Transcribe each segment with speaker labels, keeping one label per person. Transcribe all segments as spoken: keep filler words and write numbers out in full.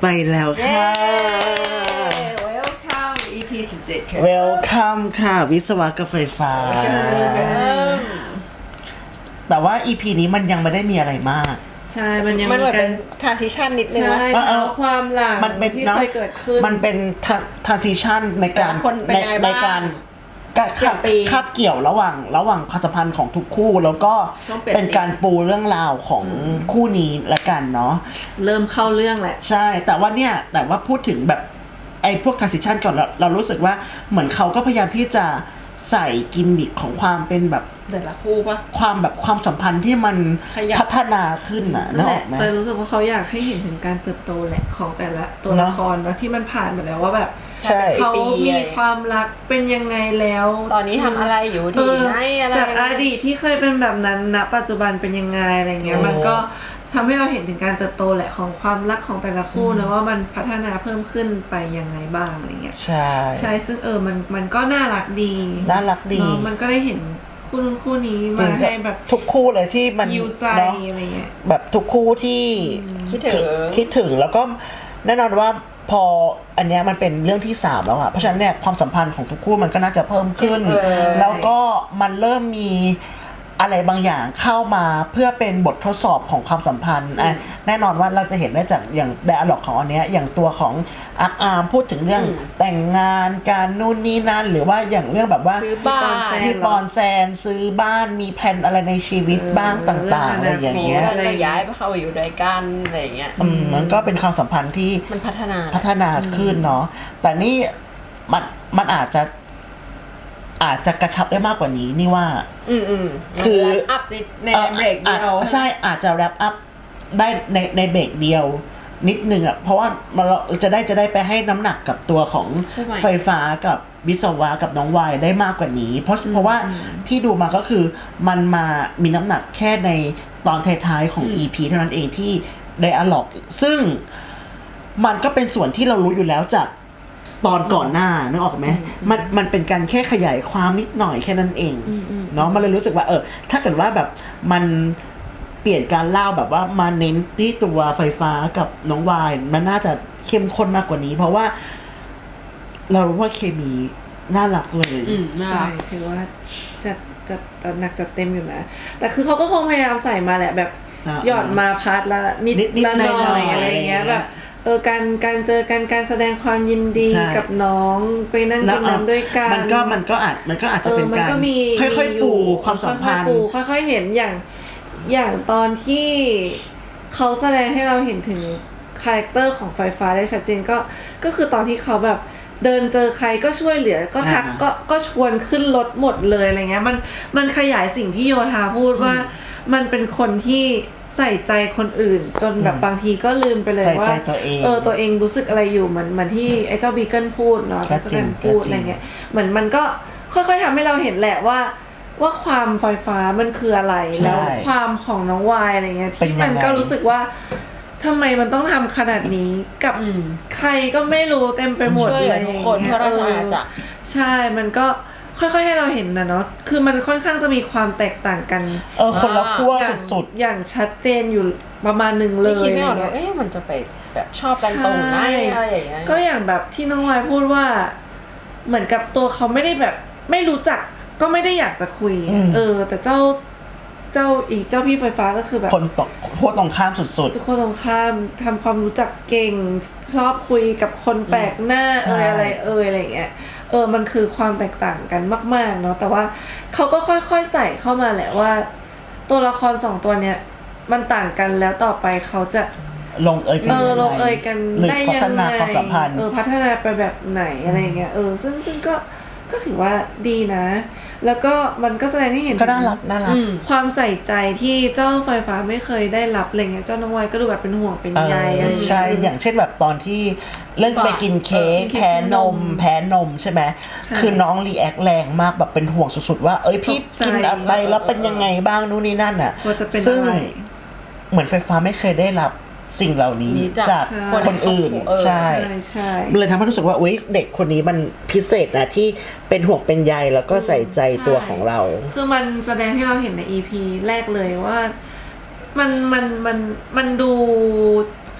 Speaker 1: ม่แล้วค่ะ
Speaker 2: Welcome อี พี สิบเจ็ดค่ะ
Speaker 1: Welcome ค่ะวิศวะกับไฟฟ้าแต่ว่า อี พี นี้มันยังไม่ได้มีอะไรมาก
Speaker 2: ใช่มันยัง
Speaker 3: มันเหมือน
Speaker 2: กั
Speaker 3: เป็น น transition นิดนึง
Speaker 2: ใช่
Speaker 3: ว่า
Speaker 2: เอาความหลัง
Speaker 1: มันเป็น
Speaker 2: ที่
Speaker 1: เนาะ
Speaker 2: เคยเกิดขึ้น
Speaker 1: มันเป็น transition ในการ
Speaker 3: คนเป็น
Speaker 1: ใน
Speaker 3: ไง
Speaker 1: ใน
Speaker 3: บ้าง
Speaker 1: การคาบคาบเกี่ยวระหว่างระหว่างความสัมพันธ์ของทุกคู่แล้วก็เป็นการปูเรื่องราวของคู่นี้ละกันเนาะ
Speaker 2: เริ่มเข้าเรื่องแหละ
Speaker 1: ใช่แต่ว่าเนี่ยแต่ว่าพูดถึงแบบไอ้พวก transition ก่อนเราเรารู้สึกว่าเหมือนเขาก็พยายามที่จะใส่กิมมิคของความเป็นแบบ
Speaker 3: แต่ละคู่ปะ
Speaker 1: ความแบบความสัมพันธ์ที่มันพัฒนาขึ้นน่ะนึกออกไหม
Speaker 2: แต่รู้สึกว่าเขาอยากให้เห็นถึงการเติบโตแหละของแต่ละตัวละครแล้วที่มันผ่านมาแล้วว่าแบบเขามีความรักเป็นยังไงแล้ว
Speaker 3: ตอนนี้ทำอะไรอยู่ที่ไหนอะไร
Speaker 2: จากอดีตที่เคยเป็นแบบนั้นณปัจจุบันเป็นยังไงอะไรเงี้ยมันก็ทำให้เราเห็นถึงการเติบโตแหละของความรักของแต่ละคู่นะว่ามันพัฒนาเพิ่มขึ้นไปยังไงบ้างอะไรเงี้ย
Speaker 1: ใช่
Speaker 2: ใช่ซึ่งเออมันมันก็น่ารักดี
Speaker 1: น่ารักดี
Speaker 2: มันก็ได้เห็นคู่นู้นคู่นี้มาให้แบบ
Speaker 1: ทุกคู่เลยที่มัน
Speaker 2: ยิวใจอะไรเงี้ย
Speaker 1: แบบทุกคู่ที่
Speaker 3: คิดถึง
Speaker 1: คิดถึงแล้วก็แน่นอนว่าพออันเนี้ยมันเป็นเรื่องที่สามแล้วอะเพราะฉะนั้นเนี่ยความสัมพันธ์ของทุกคู่มันก็น่าจะเพิ่มขึ้นแล้วก็มันเริ่มมีอะไรบางอย่างเข้ามาเพื่อเป็นบททดสอบของความสัมพันธ์อ่ะแน่นอนว่าเราจะเห็นได้จากอย่างไดอะล็อกของอันเนี้ยอย่างตัวของอาร์อาร์มพูดถึงเรื่องแต่งงานการนู่นนี่นั่นหรือว่าอย่างเรื่องแบบว่า
Speaker 3: ซื้อบ้าน
Speaker 1: ที่ปอนแซนซื้อบ้านมีแผนอะไรในชีวิตบ้างต่างๆอะไรอย่างเงี้ย
Speaker 3: ก็ย้ายไปเข้าอยู่ด้วยกันอะไรอย่างเงี้ย
Speaker 1: มันก็เป็นความสัมพันธ์ที่
Speaker 3: มันพัฒนา
Speaker 1: พัฒนาขึ้นเนาะแต่นี่มันมันอาจจะอาจจะกระชับได้มากกว่านี้นี่ว่า
Speaker 3: อืมอืม
Speaker 1: คือ
Speaker 3: อัพในเบรกเดียว
Speaker 1: ใช่อาจจะแรปอัพได้ในในเบรกเดียวนิดนึงอ่ะเพราะว่าเราจะได้จะได้ไปให้น้ำหนักกับตัวของไฟฟ้ากับวิศวะกับน้องวายได้มากกว่านี้เพราะเพราะว่าที่ดูมาก็คือมันมามีน้ำหนักแค่ในตอนท้ายๆของ อี พี เท่านั้นเองที่ไดอะล็อกซึ่งมันก็เป็นส่วนที่เรารู้อยู่แล้วจากตอนก่อนหน้านึกออกไหมมันมันเป็นการแค่ขยายความนิดหน่อยแค่นั้นเองเนาะมันเลยรู้สึกว่าเออถ้าเกิดว่าแบบมันเปลี่ยนการเล่าแบบว่ามาเน้นที่ตัวไฟฟ้ากับน้องวายมันน่าจะเข้มข้นมากกว่านี้เพราะว่าเรารู้ว่าเคมีน่ารักเลย
Speaker 2: ใช่ถือว่าจะจะหนักจัดเต็มอยู่นะแต่คือเขาก็คงพยายามใส่มาแหละแบบหยอดมาพาร์ทละนิดละหน่อยอะไรเงี้ยแบบเออการการเจอกันการแสดงความยินดีกับน้องไปนั่งกินน้ำด้วยกัน
Speaker 1: มันก็มันก็อาจมันก็อาจจะเป็นการค่อยๆปูความสัมพันธ์
Speaker 2: ค่อยๆเห็นอย่างอย่างตอนที่เขาแสดงให้เราเห็นถึงคาแรคเตอร์ของไฟฟ้าได้ชัดเจนก็ก็คือตอนที่เขาแบบเดินเจอใครก็ช่วยเหลือก็ทักก็ก็ชวนขึ้นรถหมดเลยอะไรเงี้ยมันมันขยายสิ่งที่โยธาพูดว่ามันเป็นคนที่ใส่ใจคนอื่นจนแบบบางทีก็ลืมไปเลยว่าเออตัวเองรู้สึกอะไรอยู่เหมือนเหมือนที่ไอ้เจ้าบีเกิลพูดเนาะเจ้าบีเกิลพูดอะไรเงี้ยเหมือนมันก็ค่อยๆทำให้เราเห็นแหละว่าว่าความไฟฟ้ามันคืออะไรแล้วความของน้องวายอะไรเงี้ยที่มันก็รู้สึกว่าทำไมมันต้องทำขนาดนี้กับใครก็ไม่รู้เต็มไปหมดเลย
Speaker 3: ทุกคนเพราะเราอาจจะ
Speaker 2: ใช่มันก็ค่อยๆให้เราเห็นนะเนาะคือมันค่อนข้างจะมีความแตกต่างกัน
Speaker 1: เออคนละขั้วสุด
Speaker 2: ๆอย่างชัดเจนอยู่ประมาณหนึ่งเลย
Speaker 3: คิดไม่ออกเลยเอ๊ะมันจะไปแบบชอบกันตรงไหนอะไรอย่างเงี้ย
Speaker 2: ก็อย่างแบบที่น้องวายพูดว่าเหมือนกับตัวเขาไม่ได้แบบไม่รู้จักก็ไม่ได้อยากจะคุยเออแต่เจ้าเจ้าอีกเจ้าพี่ไฟฟ้าก็คือแบบ
Speaker 1: คนตกขั้วตรงข้ามสุด
Speaker 2: ๆคนตรงข้ามทำความรู้จักเก่งชอบคุยกับคนแปลกหน้าเอออะไรเอออะไรอย่างเงี้ยเออมันคือความแตกต่างกันมากๆเนาะแต่ว่าเขาก็ค่อยๆใส่เข้ามาแหละว่าตัวละครสองตัวเนี้ยมันต่างกันแล้วต่อไปเขาจะ
Speaker 1: ลงเอยกัน
Speaker 2: เออลงเอยกันได้ยังไง
Speaker 1: พัฒนาความสัมพันธ์
Speaker 2: เออพัฒนาไปแบบไหนอะไรเงี้ยเออซึ่งซึ่งก็ก็ถือว่าดีนะแล้วก็มันก็แสดงให้เห็น
Speaker 1: ก็น่ารักน่ารัก
Speaker 2: ความใส่ใจที่เจ้าไฟฟ้าไม่เคยได้รับอะไรเงี้ยเจ้าน้องวายก็ดูแบบเป็นห่วงเป็นใยอะไร
Speaker 1: ใช่อย่างเช่นแบบตอนที่เรื่องไปกินเค้กแพ้นมแพ้นมใช่ไหมคือน้องรีแอคแรงมากแบบเป็นห่วงสุดๆว่าเอ้ยพี่กินอะไรแล้วเป็นยังไงบ้างนู่นนี่นั่นอ่ะซึ่งเหมือนไฟฟ้าไม่เคยได้รับสิ่งเหล่านี้จากคนอื่นใช่เลยทำให้รู้สึกว่าอุ๊ยเด็กคนนี้มันพิเศษนะที่เป็นห่วงเป็นใยแล้วก็ใส่ใจตัวของเรา
Speaker 2: คือมันแสดงให้เราเห็นใน อี พี แรกเลยว่ามันมันมันมันดู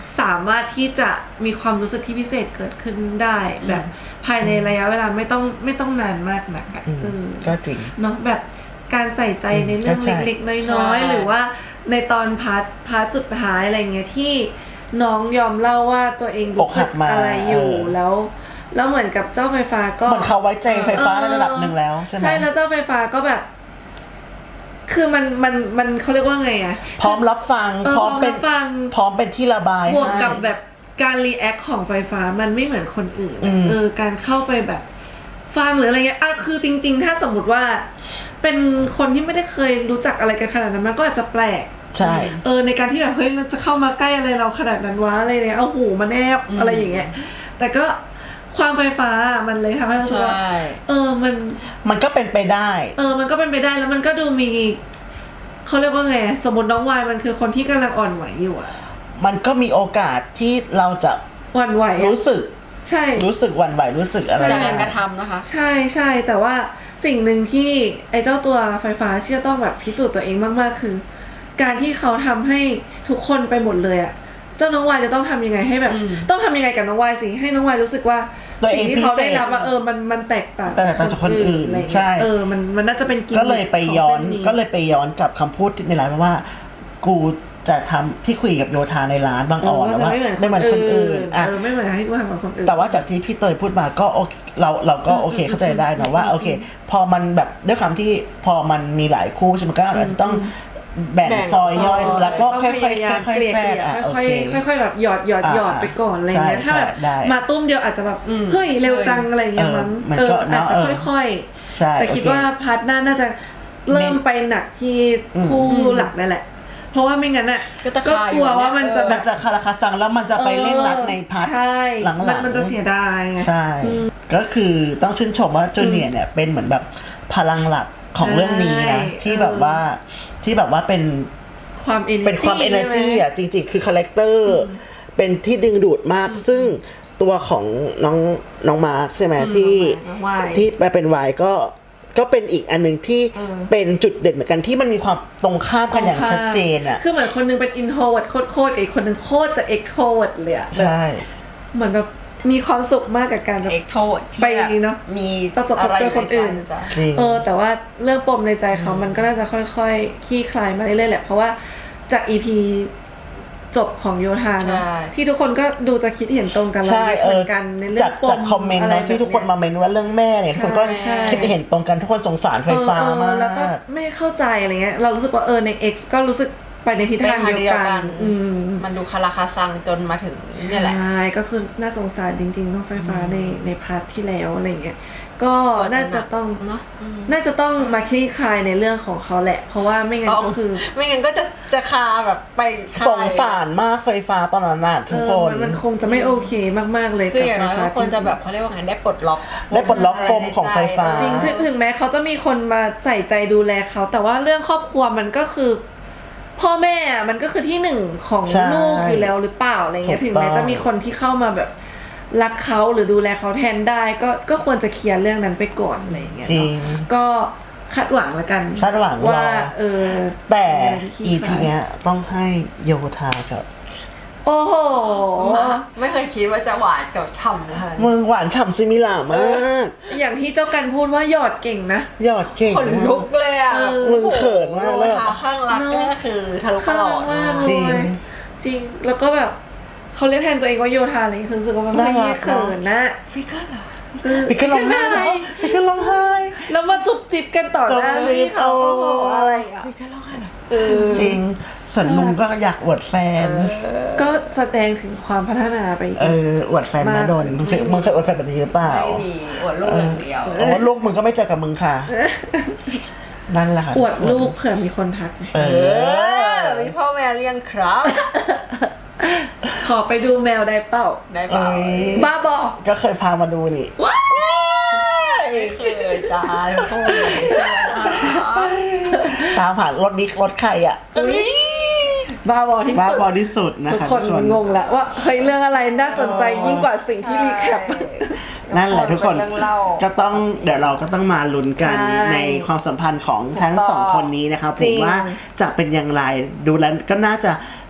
Speaker 2: สามารถที่จะมีความรู้สึกที่พิเศษเกิดขึ้นได้แบบภายในระยะเวลาไม่ต้องไม่ต้องนานมากนักอะเออ
Speaker 1: ก็จริง
Speaker 2: เนาะแบบการใส่ใจในเรื่อง
Speaker 1: ก็ใช่
Speaker 2: เล็กๆน้อยๆหรือว่าในตอนพาร์ทพาร์ทสุดท้ายอะไรเงี้ยที่น้องยอมเล่าว่าตัวเองรู้สึกอะไรอยู่แล้ว แล้วเหมือนกับเจ้าไฟฟ้าก็
Speaker 1: เหมือนเขาไว้ใจไฟฟ้าในระดับหนึ่งแล้วใช่ไหม
Speaker 2: ใช่แล้วเจ้าไฟฟ้าก็แบบ คือมันมันมันเขาเรียกว่าไงอะ
Speaker 1: พร้อมรับฟัง
Speaker 2: เออ
Speaker 1: พร้อมเป็น
Speaker 2: พร้อมรับฟัง
Speaker 1: พร้อมเป็นที่ระบาย
Speaker 2: บวก
Speaker 1: ให้
Speaker 2: กับแบบการรีแอคของไฟฟ้ามันไม่เหมือนคนอื่น
Speaker 1: อืม
Speaker 2: เออการเข้าไปแบบฟังหรืออะไรเงี้ยอ่ะคือจริง ๆ ถ้าสมมติว่า เป็นคนที่ไม่ได้เคยรู้จักอะไรกันขนาดนั้นมันก็อาจจะแปลก
Speaker 1: ใช่
Speaker 2: เออในการที่แบบเฮ้ยมันจะเข้ามาใกล้อะไรเราขนาดนั้นวะอะไรเนี่ยเอาหูมาแนบอะไรอย่างเงี้ยแต่ก็ความไฟฟ้ามันเลยทำให้เรารู้สึกว่า
Speaker 3: ใช่
Speaker 2: เออมัน
Speaker 1: มันก็เป็นไปได้
Speaker 2: เออมันก็เป็นไปได้แล้วมันก็ดูมีเขาเรียกว่าไงสมมติน้องวายมันคือคนที่กำลังอ่อนไหวอยู่อะ
Speaker 1: มันก็มีโอกาสที่เราจะ
Speaker 2: หวั่นไหวอะ
Speaker 1: รู้สึก
Speaker 2: ใช่
Speaker 1: รู้สึกหวั่นไหวรู้สึกอะไร
Speaker 3: จากการก
Speaker 1: ได้
Speaker 3: ระทำนะคะ
Speaker 2: ใช่ใช่แต่ว่าสิ่งหนึ่งที่ไอ้เจ้าตัวไฟฟ้าที่จะต้องแบบพิสูจน์ตัวเองมากๆคือ การที่เขาทำให้ทุกคนไปหมดเลยอะเจ้าน้องวายจะต้องทำยังไงให้แบบ
Speaker 3: อืม
Speaker 2: ต้องทำยังไงกับน้องวายสิให้น้องวายรู้สึกว่า
Speaker 1: ตัวเอง
Speaker 2: สิ่งที่เขาได้รับ
Speaker 1: พิเศษ
Speaker 2: ว่าเออมันมันแตกต่าง
Speaker 1: แตกต่างจากคนอื่น
Speaker 2: อะไรเงี้ย
Speaker 1: ใช่
Speaker 2: เออมันมันน่าจะเป็นกิมมิค
Speaker 1: ก็เลยไปย้อน
Speaker 2: ขงส้
Speaker 1: ก็เลยไปย้อนกับคำพูดในร้านว่า กูจะทำที่คุยกับโยธาในร้านบาง
Speaker 2: เอ
Speaker 1: อ่อ
Speaker 2: อน
Speaker 1: แล้วว่า
Speaker 2: ไม่เหมือน
Speaker 1: ไม่เหมือนคนอื่นอ่ะ
Speaker 2: เออไม่เหมือนที่กูทำกับคนอื่น
Speaker 1: แต่ว่าจากที่พี่เตยพูดมาก็โอเคเราเราก็โอเคเข้าใจได้นะว่าโอเค พอมันแบบด้วยความที่พอมันมีหลายคู่ใช่ไหมก็อาจจะต้องแบ่ง
Speaker 3: แบ่ง
Speaker 1: ซอยย่อย
Speaker 3: ซอย
Speaker 1: แล้วก็
Speaker 2: ก็
Speaker 1: ค่อย
Speaker 2: พ
Speaker 1: ๆ
Speaker 2: ยายาม
Speaker 1: ค่อย
Speaker 2: เกลี่
Speaker 1: ๆแทรก
Speaker 2: ย
Speaker 1: อ่ะโอ
Speaker 2: ค่อย
Speaker 1: เค
Speaker 2: ๆค่อยๆแบบหยอดหยอด
Speaker 1: อ่า
Speaker 2: หยอดไปก่อนอะไรเงี้ย
Speaker 1: ใช่
Speaker 2: ถ้าแบบ
Speaker 1: ใช่ได้
Speaker 2: มาตุ้มเดียวอาจจะแบบ
Speaker 3: อืม
Speaker 2: เฮ้ยเร็วจังอะไรเงี้ยมั้ง
Speaker 1: เออมัน
Speaker 2: เอ
Speaker 1: ก็
Speaker 2: ออาจ
Speaker 1: เนอะ
Speaker 2: จะ
Speaker 1: เออ
Speaker 2: ค่อย
Speaker 1: ใช่
Speaker 2: ๆแต่คิด
Speaker 1: โอเค
Speaker 2: ว่าพาร์ทหน้าน่าจะเริ่มไปหนักที่คู่
Speaker 3: อืม
Speaker 2: หลักนั่นแหละ เพราะว่าไม่งั้นอ่ะ
Speaker 3: ก็จะ
Speaker 2: ก็
Speaker 3: คาก
Speaker 2: ลัว
Speaker 3: อยู่
Speaker 2: ว่ามันจะ
Speaker 3: เออ
Speaker 2: แบ
Speaker 1: มั
Speaker 2: บ
Speaker 1: นจะคาราคาซังแล้วมันจะไปเร่งรัดในพาร์ท
Speaker 2: ใช่
Speaker 1: หลังๆ
Speaker 2: มันมันจะเสียดายไง
Speaker 1: ใช่ ก็คือต้องชื่นชมว่าจูเนียร์เนี่ยเป็นเหมือนแบบพลังหลักของเรื่องนี้นะ
Speaker 2: ใช่
Speaker 1: ที่แบบว่าที่แบบว่าเป็น
Speaker 2: ความเอเน
Speaker 1: เป็นความ energy อ่ะจริงๆ คือคาแรคเตอร์เป็นที่ดึงดูดมาก ซึ่งตัวของน้องน้องมาร์คใช่ไหมที่
Speaker 2: น้องวาย
Speaker 1: ที่ไปเป็นวายก็ก็เป็นอีกอันหนึ่งที่
Speaker 2: เออ
Speaker 1: เป็นจุดเด่นเหมือนกันที่มันมีความตรงข้ามกันอย่างชัดเจนอ่ะ
Speaker 2: คือเหมือนคนนึงเป็น introvert โคตรๆกับอีกคนนึงโคตรจะ extrovert เลยอะ
Speaker 1: ใช่
Speaker 2: เหมือนแบบมีความสุขมากกับการแบบ
Speaker 3: เอ็กโทษที่
Speaker 2: ไป
Speaker 3: แบบ
Speaker 2: เนอะ
Speaker 3: มี
Speaker 2: ประสบพบเจอคนอื่น
Speaker 3: ะไรใใจ
Speaker 1: จริง
Speaker 2: เออแต่ว่าเรื่องปมในใจเขามันก็น่าจะค่อยๆคลี่คลายมาเรื่อยๆแหละ เพราะว่าจาก อี พี จบของโยธาเนอะ
Speaker 3: ใช่
Speaker 2: ที่ทุกคนก็ดูจะคิดเห็นตรงกันแล้ว
Speaker 1: ใช่
Speaker 2: เห
Speaker 1: เอ
Speaker 2: มื
Speaker 1: อ
Speaker 2: อนกันในเรื่อ
Speaker 1: จาก
Speaker 2: งปม
Speaker 1: จากคอมเมนต์
Speaker 2: อะไร
Speaker 1: เนาะที่ทุกคนมาเมนว่าเรื่องแม่เนี่ยทุกคนก็
Speaker 2: ใช่
Speaker 1: คิดเห็นตรงกันทุกคนสงสารไฟฟ้า
Speaker 2: เออเออ
Speaker 1: มา
Speaker 2: แล้วก็
Speaker 1: ก
Speaker 2: ไม่เข้าใจอะไรเงี้ยเรารู้สึกว่าเออใน X ก็รู้สึกไปในทิศทางเดียวกันอืม
Speaker 3: มันดูคาราคาซังจนมาถึงเนี่ยแหละ
Speaker 2: ใช่ก็คือน่าสงสารจริงๆน้องไฟฟ้าในในพาร์ทที่แล้วอะไรเงี้ยก็น่าจะต้อง
Speaker 3: เนอะอืม
Speaker 2: น่าจะต้องมาคลี่คลายในเรื่องของเขาแหละ เพราะว่าไม่งั้น
Speaker 3: ต้อง
Speaker 2: ก็คือ
Speaker 3: ไม่งั้นก็จะจะคาแบบไปคาย
Speaker 1: สงสารมากไฟฟ้าตอนนั้นน่ะทุกค
Speaker 2: เออน มันมันคงจะไม่โอเคมากๆเลย
Speaker 3: คือ
Speaker 2: กับ
Speaker 3: อย่าง
Speaker 2: ไฟ
Speaker 3: น้อย
Speaker 2: ฟ้า
Speaker 3: ก็ควรจะแบบเขาเรียกว่าไงได้ปลดล็อก
Speaker 1: ได้ปลดล็อกปมของไฟฟ้า
Speaker 2: จริงถึงถึงแม้เขาจะมีคนมาใส่ใจดูแลเขา แต่ว่าเรื่องครอบครัวมันก็คือ พ่อแม่อะมันก็คือที่หนึ่งของ
Speaker 1: ใช่
Speaker 2: ลูกอยู่แล้วหรือเปล่าอะไรเงี้ย
Speaker 1: ถู
Speaker 2: ถึ
Speaker 1: ก
Speaker 2: ง
Speaker 1: ต้อง
Speaker 2: แม้จะมีคนที่เข้ามาแบบรักเขาหรือดูแลเขาแทนได้ ก็ก็ควรจะเคลียร์เรื่องนั้นไปก่อนอะไรเงี้ย
Speaker 1: จริ
Speaker 2: เนาะ
Speaker 1: ง
Speaker 2: ก็คาดหวังละกัน
Speaker 1: คาดหวัง
Speaker 2: ว่า
Speaker 1: รอ
Speaker 2: เออ
Speaker 1: แต่
Speaker 2: จะมีอะไรที่คลี่
Speaker 1: อี
Speaker 2: ค
Speaker 1: พี
Speaker 2: ลาย
Speaker 1: เนี้ยต้องให้โยธากับ
Speaker 2: โอ้โห
Speaker 3: ไม่เคยคิดว่าจะหวานกับฉ่ำขนาดนี้
Speaker 1: มึงหวานฉ่ำซิมิล่ามาก
Speaker 2: อย่างที่เจ้ากันพูดว่าหยอดเก่งนะ
Speaker 1: ยอดเก่ง
Speaker 3: ขนลุกเลยอ่ะ
Speaker 2: เออ
Speaker 1: มึงเขินมากเลย
Speaker 3: ทาข้างรักก็คือทะลุต
Speaker 2: ข้าง
Speaker 3: ลอ
Speaker 2: รั
Speaker 3: ด
Speaker 2: กมาก
Speaker 1: จริง
Speaker 2: เลยจริง แล้วก็แบบเขาเรียกแทนตัวเองว่าโยธาอะไรอย่างเงี้ยคือรู้สึกว่ามันไม่
Speaker 1: น่ารัก
Speaker 2: เขินนะ
Speaker 3: ฟิกเกอร์เหรอ
Speaker 2: เออ
Speaker 1: พี่ก็ร้องไห้
Speaker 2: อะไร
Speaker 1: เหรอพี่ก็ร้องไห้
Speaker 2: แล้วมาจุบจิบกันต่อหน้า
Speaker 1: จุบจิบ
Speaker 2: พี่เขา
Speaker 1: โอ้
Speaker 2: โอ้โหอะไรอ่ะ
Speaker 3: ฟิกเกอร์ร้องไห้เหรอ
Speaker 2: เออ
Speaker 1: จริง ส่วนลุงก็อยากอวดแฟน
Speaker 2: ก็แสดงถึงความพัฒนาไปอีก
Speaker 1: เอออวดแฟน
Speaker 2: มา
Speaker 1: นะ
Speaker 2: ก
Speaker 1: โดนมึงเคยมึงเคยอวดแฟนแบบนี้หรือเปล่า
Speaker 3: ไม่มีอวดลูกอย่างเดียว
Speaker 1: โอ้ลูกมึงก็ไม่เจอกับมึงค่ะ นั่นแหละค่ะ
Speaker 2: อวดลูกเผื่อมีคนทัก
Speaker 1: เอ
Speaker 3: เอ
Speaker 1: อ
Speaker 3: อมีพ่อแม่เลี้ยงครับ
Speaker 2: ขอไปดูแมวได้เปล่า
Speaker 3: ได้เปล่า
Speaker 1: เอ้ย
Speaker 2: บ้าบอ
Speaker 1: ก็เคยพามาดูนี่
Speaker 2: ว้า
Speaker 3: ไม่เคยจ้าโทษเลยใช่ไหม
Speaker 1: ตามผ่านรถนี้รถใครอ่ะ
Speaker 2: บ้าบอที่
Speaker 1: บ้า
Speaker 2: สุด
Speaker 1: บอที่สุดนะ
Speaker 2: ทุก
Speaker 1: คะ
Speaker 2: คน
Speaker 1: ทุกคน
Speaker 2: งงแล้วว่าเฮ้ยเรื่องอะไรน่าสนใจยิ่งกว่าสิ่งที่รีแคป
Speaker 1: นั่นแหละทุกคน
Speaker 3: เป็เรื่องเล่า
Speaker 1: ก็ต้องเดี๋ยวเราก็ต้องมาลุ้นกัน
Speaker 2: ใช่
Speaker 1: ในความสัมพันธ์ของทั้ง
Speaker 3: ถูกต้อง
Speaker 1: สองคนนี้นะครับผ
Speaker 2: จริ
Speaker 1: ม
Speaker 2: ง
Speaker 1: ว่าจะเป็นอย่างไรดูแล้วก็น่าจะ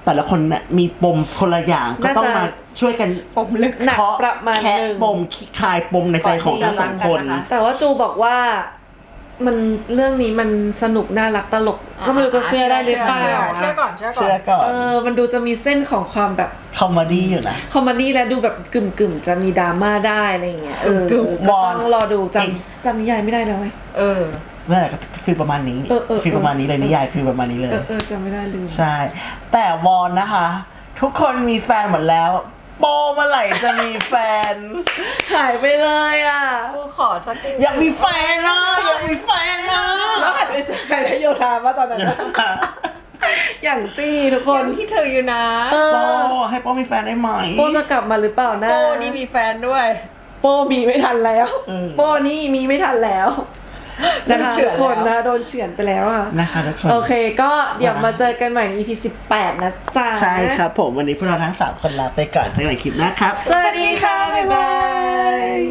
Speaker 1: แต่ละคนเนี่ยมีปมคนละอย่างก็ต้องมาช่วยกัน
Speaker 3: ปมลึก
Speaker 2: หนัก
Speaker 1: เคาะ
Speaker 2: ประมาณ
Speaker 1: แคะ
Speaker 2: หนึ่ง
Speaker 1: ปมคลายปมในใจของทั้งสองคน
Speaker 3: ก่อนที่จะรักกันนะคะ
Speaker 2: แต่ว่าจูบอกว่ามันเรื่องนี้มันสนุกน่ารักตลก ก็ไม่รู้จะเชื่อได้หรือเปล่า
Speaker 3: เชื่อก่อนเชื่อก่อน
Speaker 1: เชื่อก่อน
Speaker 2: เออมันดูจะมีเส้นของความแบบ
Speaker 1: คอมเมดี้อยู่นะ
Speaker 2: คอมเมดี้และดูแบบกึ่มกึ่มๆจะมีดราม่าได้อะไรอย่างเงี้ยเออก
Speaker 3: ึ่มๆ
Speaker 2: ก็ต้องรอดูจ
Speaker 1: เอง
Speaker 2: ำจำนิยายไม่ได้แล้วไหม
Speaker 3: เออ
Speaker 1: นั่นแหละครับฟีลประมาณนี้
Speaker 2: เออเออเออ
Speaker 1: ฟีลประมาณนี้เลยนิยายฟีลประมาณนี้เลย
Speaker 2: เออเออจำไม่ได้ลืม
Speaker 1: ใช่ แต่วอนนะคะ ทุกคนมีแฟนหมดแล้ว โปเมื่อไหร่จะมีแฟน
Speaker 2: หายไปเลยอ่ะ
Speaker 3: กูขอสัก
Speaker 1: อยากมีแฟนนะอยากมีแฟนนะ
Speaker 2: แล้วหันไปเจอใครแล้วโยธามาตอนนั้นอะอย่างจี้ทุกค
Speaker 3: คน นที่เธออยู่นะ
Speaker 2: เอ
Speaker 1: โป
Speaker 2: อ
Speaker 1: ให้โปมีแฟนได้ไหม
Speaker 2: โป้จะกลับมาหรือเปล่านะ
Speaker 3: โป้นี่มีแฟนด้วย
Speaker 2: โป้มีไม่ทันแล้ว
Speaker 1: อืม
Speaker 2: โป้นี่มีไม่ทันแล้วนะคะ
Speaker 3: โดนเฉื
Speaker 2: ทุ
Speaker 3: อก น
Speaker 2: คน
Speaker 3: แล้ว
Speaker 2: นะโดนเฉือนไปแล้วอ่ะ
Speaker 1: นะคะทุกคน
Speaker 2: โอเคก็เดี๋ยวมาเจอกันใหม่ใน อี พี สิบแปดนะจ๊ะ
Speaker 1: ใช่ครับผมวันนี้พวกเราทั้งสามคนลาไปก่อนเจอกันใหม่คลิปหน้าครับ
Speaker 2: สวัสดีค่ะ บ๊ายบาย